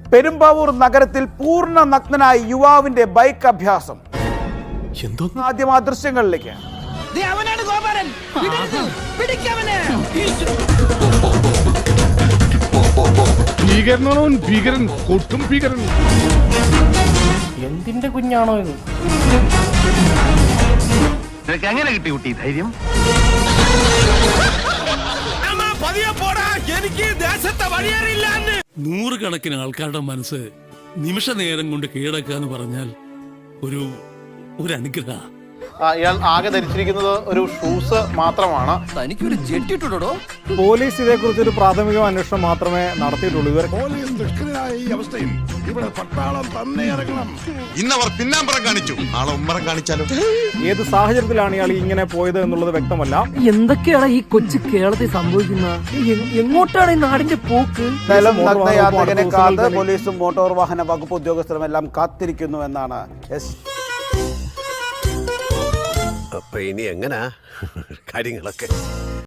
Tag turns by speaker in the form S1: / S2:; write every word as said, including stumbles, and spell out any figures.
S1: പെരുമ്പാവൂർ നഗരത്തിൽ പൂർണ്ണ നഗ്നനായ യുവാവിന്റെ ബൈക്ക് അഭ്യാസം. ആദ്യം ആ ദൃശ്യങ്ങളിലേക്ക്.
S2: എന്തിന്റെ കുഞ്ഞാണോ ഇത്?
S3: എങ്ങനെ കിട്ടി കുട്ടി ധൈര്യം?
S4: നൂറുകണക്കിന് ആൾക്കാരുടെ മനസ്സ് നിമിഷ നേരം കൊണ്ട് കീഴടക്കാന്ന് പറഞ്ഞാൽ ഒരു ഒരു അനുഗ്രഹ.
S5: ഇയാൾ ആകെ ധരിച്ചിരിക്കുന്നത് ഒരു ഷൂസ് മാത്രമാണ്.
S3: തനിക്കൊരു ജെറ്റ് ഇട്ടുണ്ടോ?
S6: പോലീസ് ഇതേക്കുറിച്ച് ഒരു പ്രാഥമിക അന്വേഷണം മാത്രമേ നടത്തിയിട്ടുള്ളൂ. ഇവർ
S7: ഈ അവസ്ഥയിൽ ഇവിടെ പട്ടാളം തന്നെ ഇറങ്ങണം.
S8: ഇന്നവർ പിന്നാമ്പറം കാണിച്ചു, നാളെ ഉമ്മറം കാണിച്ചാലും.
S6: ഏത് സാഹചര്യത്തിലാണ് ഇയാൾ ഇങ്ങനെ പോയത് എന്നുള്ളത് വ്യക്തമല്ല.
S2: എന്തൊക്കെയാണ് ഈ കൊച്ചു കേരളത്തിൽ സംഭവിക്കുന്നത്? എങ്ങോട്ടാണ് ഈ നാടിന്റെ പോക്ക്?
S1: നഗ്നയാത്രികനെ കാത്ത് പോലീസും മോട്ടോർ വാഹന വകുപ്പ് ഉദ്യോഗസ്ഥരും എല്ലാം കാത്തിരിക്കുന്നു എന്നാണ്.
S8: അപ്പൊ ഇനി എങ്ങനാ കാര്യങ്ങളൊക്കെ?